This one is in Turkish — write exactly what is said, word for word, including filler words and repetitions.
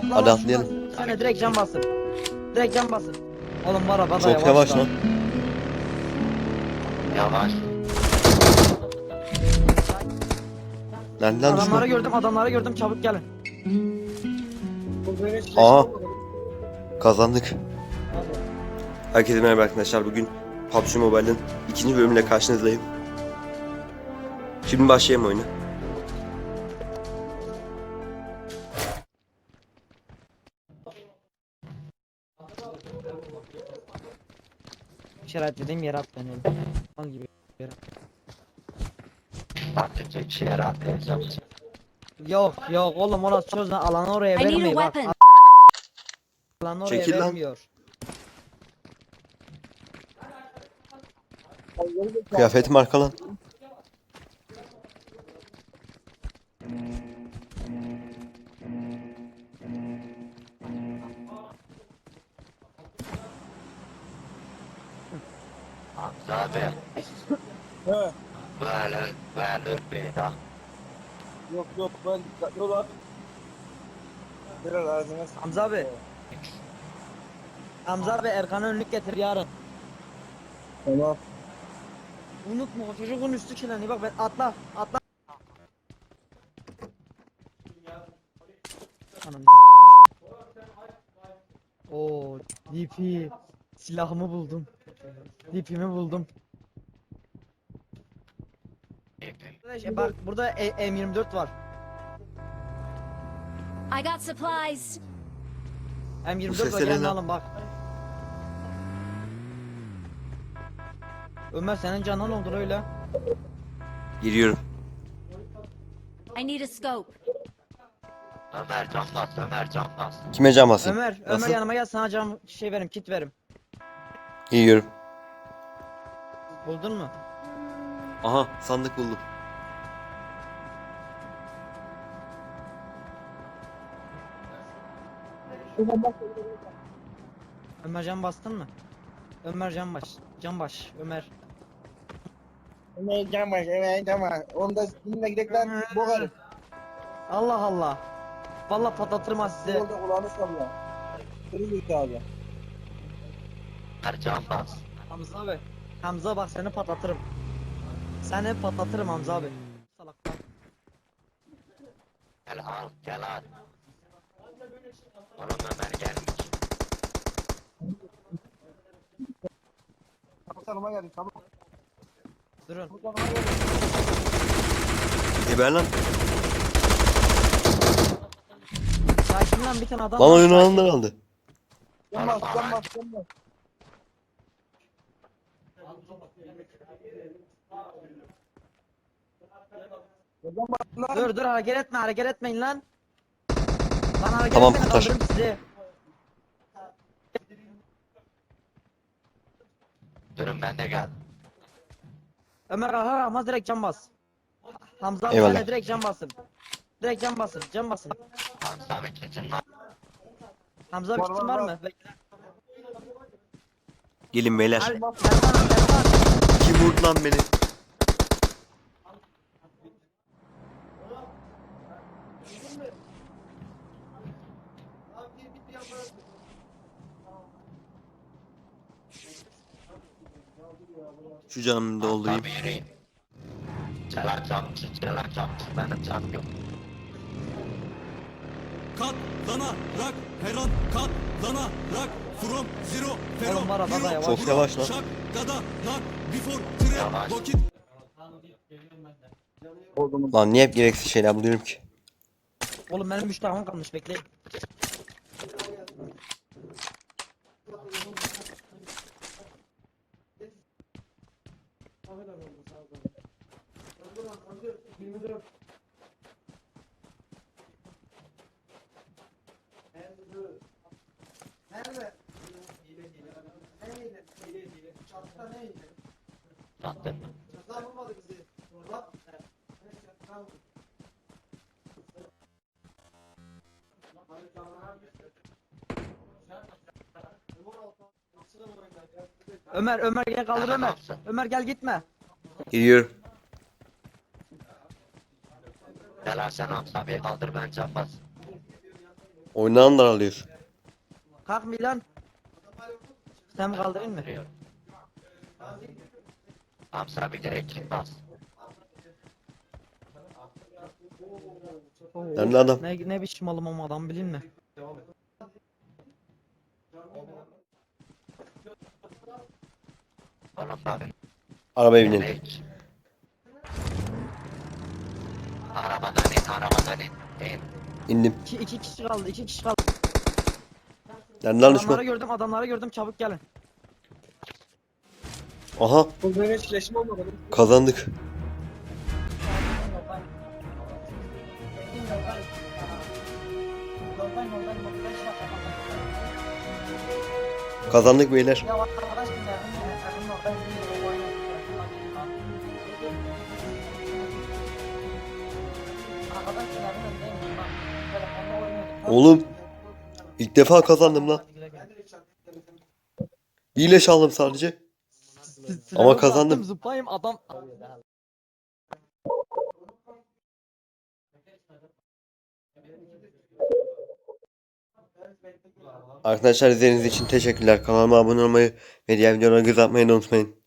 Atla Hadi lan atlayalım. şuradan. Sen de direkt cam basın. Direkt cam basın. Oğlum var araba da Çok yavaş lan. Yavaş. Nereden Adamları düşman? gördüm, adamları gördüm, çabuk gelin. Aa. Kazandık. Herkese merhaba arkadaşlar. Bugün P U B G Mobile'ın ikinci bölümüyle karşınızdayım. Şimdi başlayalım oyuna. İşaretlediğim yere at beni oğlum. Hangi bir yere? Atlayacak şey atlayacağım. Yok yok oğlum, orası çözme, alanı oraya I need a vermiyor bak. weapon. Alanı oraya Çekil lan. vermiyor. Kıyafetim arka lan. Hamza abi. He. Böyle böyle bir daha. Yok yok ben dikkatli ol abi. Biraz ağzına s- Hamza abi. Hamza abi Erkan'a önlük getir yarın. Tamam. Unutma, o çocuğun üstü kirleniyor, bak ben atla atla. Ananı s**miştim. Oo, D P silahımı buldum. D P'mi buldum. Arkadaş, e, bak burada E- M yirmi dört var. I got supplies. M yirmi Bu dört var, sesler gelin ne lan? alın bak. Ömer senin canın olur öyle. Giriyorum. I need a scope. Ömer can bas, Ömer can bas. Kime cam basayım? Ömer, Ömer Nasıl? yanıma gel, sana cam şey verim, kit verim. Giriyorum. Buldun mu? Aha, sandık buldum. Ömer cam bastın mı? Ömer cam baş. Cam baş. Ömer. Ne cam var, evet cam var. Onda sizinle gidekler boğarız. Allah Allah. Vallahi patlatırım ha size. Yolda kulağını salla. Kırık abi. Ömer can bas. Hamza abi. Hamza bak, seni patlatırım. Seni patlatırım Hamza abi. Salak. Gel al, gel al. Oğlum Ömer gelmiş. Çabuk tanıma gelin çabuk. Durun. Çabuk tanıma gelin. Geber lan. Sakin lan, bir tane adam. Lan var, oyunu sakin. alanlar aldı. Cam bas cam bas cam bas. Ya cam bas lan. Dur dur, hareket etme, hareket etmeyin lan. Lan hareket Tamam, etmeyin, kurtar. kaldırırım sizi. Durun ben de geldim. Ömer kalkar kalkmaz direkt cam bas. Hamza abi Eyvallah. sen de direkt cam basın. Direkt cam basın, cam basın. Hamza abi kesin lan. Hamza bir Var, kitin var, var var. mı? Bekle. Gelin beyler. Al, Erkan, Erkan. Kim vurdu lan beni? Şu canımı doldurayım. Hamza abi yürüyün. Celal camcı, Celal camcı. Benim cam yok. Katlanarak her an katlanarak from zero fero Oğlum var araba da yavaş. Çok yavaş lan. şak gadalar before tire Yavaş. vakit Lan niye hep gereksiz şeyler buluyorum ki? Oğlum benim üç tahmin kalmış, bekleyin. Zaten. Ömer, Ömer gel, kaldır Hemen Ömer. alsın. Ömer gel, gitme. Giriyorum. Celal sen Hamza abi kaldır ben can bas. Oynanan daralıyor. Kalk Milan. Sen mi kaldırayım mı? Duruyor. Hamza bir direkt kim bas? Oo, Nerede adam? Ne, ne biçim malım ama adam bilin mi? Oğlum bak. Arabaya binelim. Direkt. Arabadan in, arabadan in. İn. İndim. İki, iki kişi kaldı, iki kişi kaldı. Nerede lan Adamları düşman? gördüm, adamları gördüm, çabuk gelin. Aha Bu benim hiç leşim olmadı. kazandık. Kazandık beyler. Ya arkadaş bir Oğlum ilk defa kazandım lan. Bir leş aldım sadece. Ama kazandım. Zıplayayım adam. Arkadaşlar izlediğiniz için teşekkürler. Kanalıma abone olmayı ve diğer videolara göz atmayı da unutmayın.